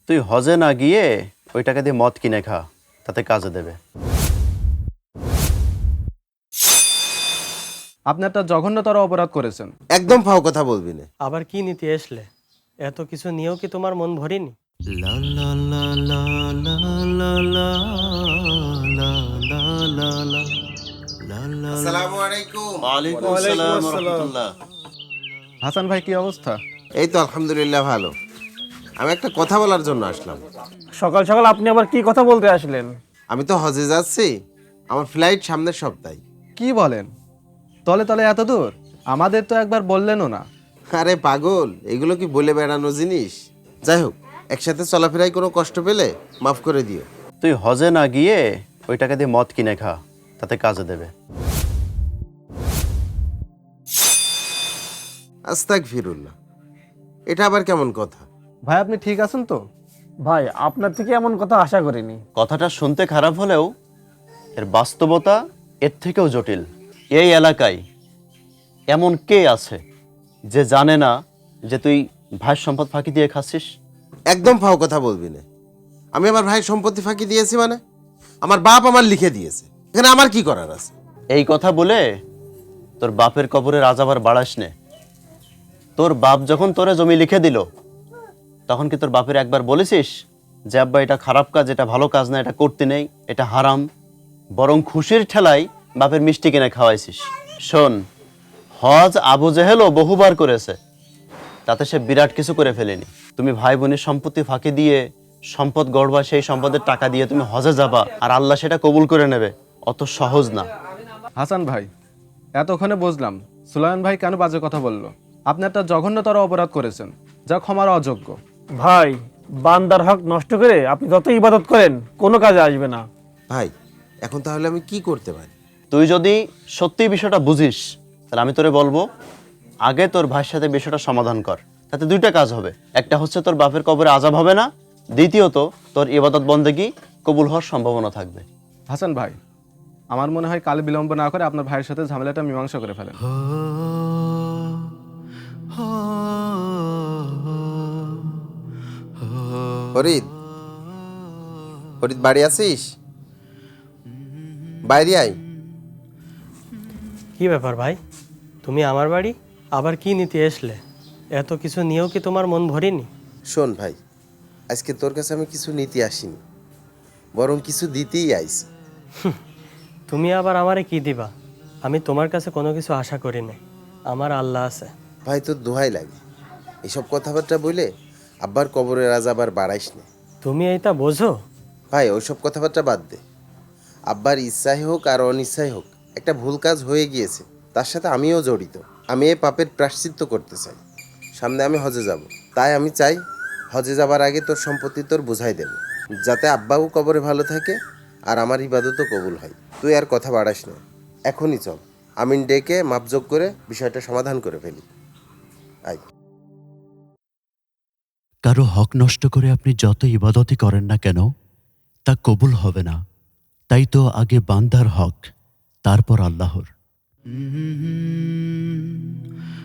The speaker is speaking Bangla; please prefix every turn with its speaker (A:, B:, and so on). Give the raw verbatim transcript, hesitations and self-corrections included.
A: তুই হজে না গিয়ে ওই টাকা দিয়ে মদ কিনে খা, তাতে কাজে দেবে।
B: আপনি একটা জঘন্যতর অপরাধ করেছেন।
C: একদম ফাও কথা বলবি না।
D: আবার কি নীতি আসলে? এত কিছু নিয়েও কি তোমার মন ভরেনি?
C: আসসালামু আলাইকুম।
A: ওয়ালাইকুম আসসালাম ওয়া রাহমাতুল্লাহ।
B: হাসান ভাই, কি অবস্থা?
C: এই তো আলহামদুলিল্লাহ ভালো। আমি একটা কথা বলার জন্য আসলাম।
D: সকাল সকাল আপনি আবার কি কথা বলতে আসলেন?
C: আমি তো হজে যাচ্ছি, আমার ফ্লাইট সামনের সপ্তাহে।
B: কি বলেন? তলে তলে এত দূর? আমাদের তো একবার বললেনও না।
C: আরে পাগল, এগুলো কি বলে বেড়ানো জিনিস? যাই হোক, একসাথে চলাফেরায় কোনো কষ্ট পেলে মাফ করে দিও।
A: তুই হজে না গিয়ে ওই টাকা দিয়ে মদ কিনে খা, তাতে কাজে দেবে।
C: আস্তাগফিরুল্লাহ, এটা আবার কেমন কথা?
B: ভাই, আপনি ঠিক আছেন তো?
D: ভাই, আপনার থেকে এমন কথা আশা করিনি।
A: কথাটা শুনতে খারাপ হলেও এর বাস্তবতা এর থেকেও জটিল। এই এলাকায় এমন কে আছে যে জানে না যে তুই ভাইয়ের সম্পদ ফাঁকি দিয়ে খাচ্ছিস?
C: একদম ফাও কথা বলবি না। আমি আমার ভাই সম্পত্তি ফাঁকি দিয়েছি মানে? আমার বাপ আমার লিখে দিয়েছে, এখানে আমার কি করার আছে?
A: এই কথা বলে তোর বাপের কবরের আজাব আর বাড়াস নে। তোর বাপ যখন তোরে জমি লিখে দিল, তখন কি তোর বাপের একবার বলেছিস যে আব্বা এটা খারাপ কাজ, এটা ভালো কাজ না, এটা করতে নেই, এটা হারাম? বরং খুশির ঠেলায় বাপের মিষ্টি কিনে খাওয়াইছিস। শোন, হজ আবু জেহেলও বহুবার করেছে, তাতে সে বিরাট কিছু করে ফেলেনি। তুমি ভাই বোনের সম্পত্তি ফাঁকি দিয়ে সম্পদ গড়বা, সেই সম্পদের টাকা দিয়ে তুমি হজে যাবা আর আল্লাহ সেটা কবুল করে নেবে, অত সহজ না।
B: হাসান ভাই, এতক্ষণে বুঝলাম সুলাইমান ভাই কেন বাজে কথা বলল। আপনি একটা জঘন্যতর অপরাধ করেছেন, যা ক্ষমার অযোগ্য।
D: ভাই, বান্দার হক নষ্ট করে আপনি যত ইবাদত করেন কোনো কাজে আসবে না।
C: ভাই, এখন তাহলে আমি কি করতে পারি?
A: তুই যদি সত্যি বিষয়টা বুঝিস, তাহলে আমি তোরে বলবো, আগে তোর ভাইয়ের সাথে বিষয়টা সমাধান কর। তাতে দুইটা কাজ হবে। একটা হচ্ছে তোর বাপের কবরে আযাব হবে না, দ্বিতীয়ত তোর ইবাদত বন্দেগী কবুল হওয়ার সম্ভাবনা থাকবে।
B: হাসান ভাই, আমার মনে হয় কাল বিলম্ব না করে আপনার ভাইয়ের সাথে ঝামেলাটা মীমাংসা করে ফেলেন।
C: ফরিদ, ফরিদ বাড়ি আছিস? বাইরে আয়।
D: কি ব্যাপার ভাই, তুমি আমার বাড়ি? আবার কি নীতি আসলে? এত কিছু নিয়েও কি তোমার মন ভরেনি?
C: শোন ভাই, আজকে তোর কাছে আমি কিছু নিতে আসিনি, বরং কিছু দিতেই আইছি।
D: তুমি আবার আমারে কি দিবা? আমি তোমার কাছে কোনো কিছু আশা করি না, আমার আল্লাহ আছে।
C: ভাই, তোর দোহাই লাগে, এসব কথাবার্তা বলে আব্বার কবরের আযাব আর বাড়াইস না।
D: তুমি এইটা বোঝো?
C: ভাই, ওইসব কথাবার্তা বাদ দে। আব্বার ইচ্ছাই হোক আর অনিচ্ছাই হোক, একটা ভুল কাজ হয়ে গিয়েছে, তার সাথে আমিও জড়িত। আমি এই পাপের প্রায়শ্চিত্ত করতে চাই। সামনে আমি হজে যাব, তাই আমি চাই হজে যাবার আগে তোর সম্পত্তি তোর বুঝাই দেব, যাতে আব্বাও কবরে ভালো থাকে আর আমার ইবাদতও কবুল হয়। তুই আর কথা বাড়াস না, এখনই চল, আমিন ডেকে মাপযোগ করে বিষয়টা সমাধান করে ফেলি। আয়।
E: কারো হক নষ্ট করে আপনি যত ইবাদতই করেন না কেন, তা কবুল হবে না। তাই তো আগে বান্দার হক, তারপর আল্লাহর।